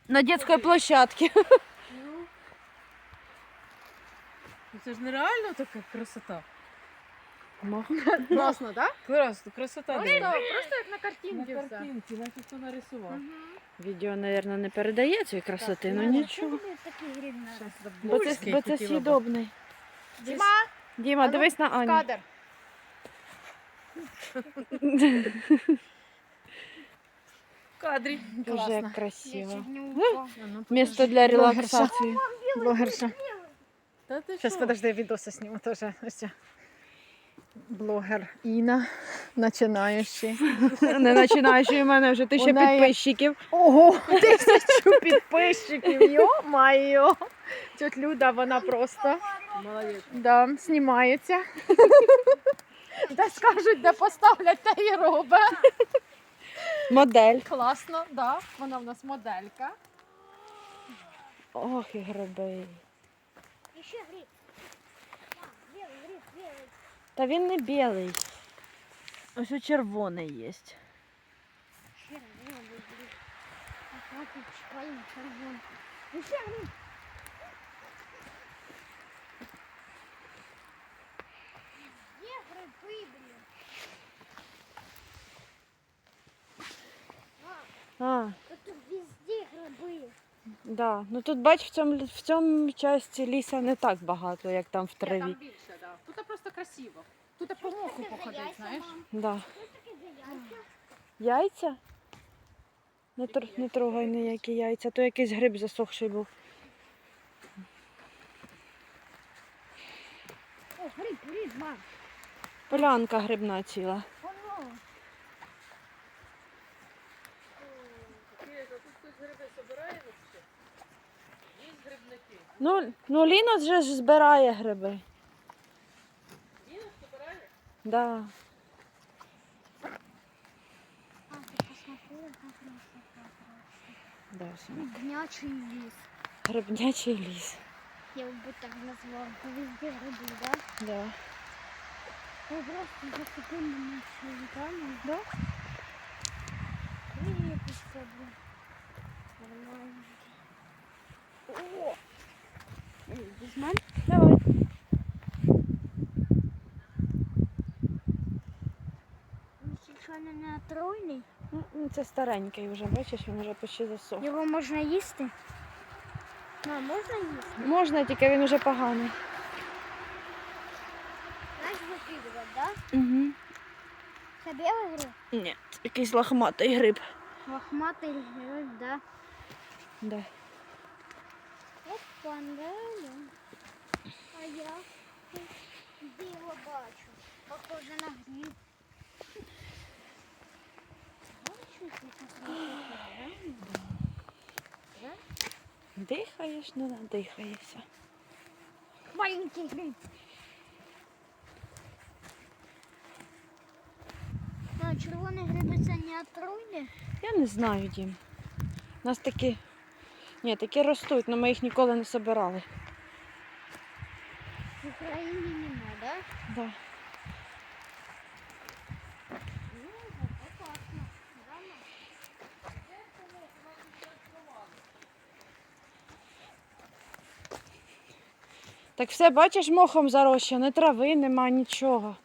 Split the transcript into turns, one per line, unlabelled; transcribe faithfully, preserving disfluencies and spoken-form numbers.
На детской площадке.
Ну, це ж нереально така красота.
Класно, так?
Класно, красота.
Просто,
диви.
просто як на картинці
На
все.
картинці, наче хто нарисував.
Відео, мабуть, не передає цієї красоти, ну нічого.
Щас
Бо це,
Бочки
бо це
хотіла б.
съедобний.
Діма,
Діма,
А ну,
дивись на Аню.
кадр.
В кадрі.
Дуже
Класно.
як красиво.
А ну,
Місто для релаксації.
Блогерша.
Та ти
Зараз,
що?
подожди, я відоси зніму теж. Ось ця блогер Іна, починаючи.
Не починаючи у мене вже тисяча
У неї-
підписчиків.
Ого, тисячу підписчиків, йо-майо. Тьотя Люда, вона просто
Молодець.
да, знімається. Де скажуть, де поставлять, те і робить.
Модель.
Класно, да. Вона в нас моделька.
Ох, і гриби.
Еще гриб. Белый гриб, белый.
Та він не білий. Ось у червоний є.
Червоный гриб. А как тут шпалин червоный. Еще гриб. Где грибы, блин?
А,
Да тут везде грибы.
да. Ну тут бач, в цьому, в цьому часті ліса не так багато, як там в
Ні, там
траві.
більше, да. Тут просто красиво. Тут по моху походить, знаєш.
Да.
Что такое за яйца?
Яйця? Не, тр... не трогай ніякі яйця, то якийсь гриб засохший був.
О, гриб, гриб, мам.
Полянка грибна ціла.
Оно.
Кирило, тут хтось гриби собирає вообще? Є грибники.
Ну, ну Ліна вже ж збирає гриби.
Він собирає?
Да.
А, ты посмотри, как красота.
Да,
Гнячий лес.
грибнячий ліс.
Я бы так назвал. Везде грибы, да?
Да.
Я просто за секунду начали, да? Привет, блин. Нормально. О! Без мам?
Давай.
Он случайно не отруйный?
Ну, це старенький вже, бачиш, він вже почти засох.
Його можна їсти? А, можна їсти?
Можна, тільки він уже поганий.
Знаєш, викидувати, да?
Угу.
Це білий гриб?
Ні, якийсь лохматий гриб.
Лохматий гриб, да.
Да.
Опа, да. А я тут диво бачу. Похоже на гриб. Бачу, ти так да?
Дихаєш, не надихаєшся.
Маленький гриб. А, червоні гриби це не отруйні?
Я не знаю, Дім. У нас такі. Ні, такі ростуть, але ми їх ніколи не собирали.
В Україні нема, да?
Да.
Ну, это классно. Да, мам?
Так все, бачиш, мохом зарощено, трави нема, нічого.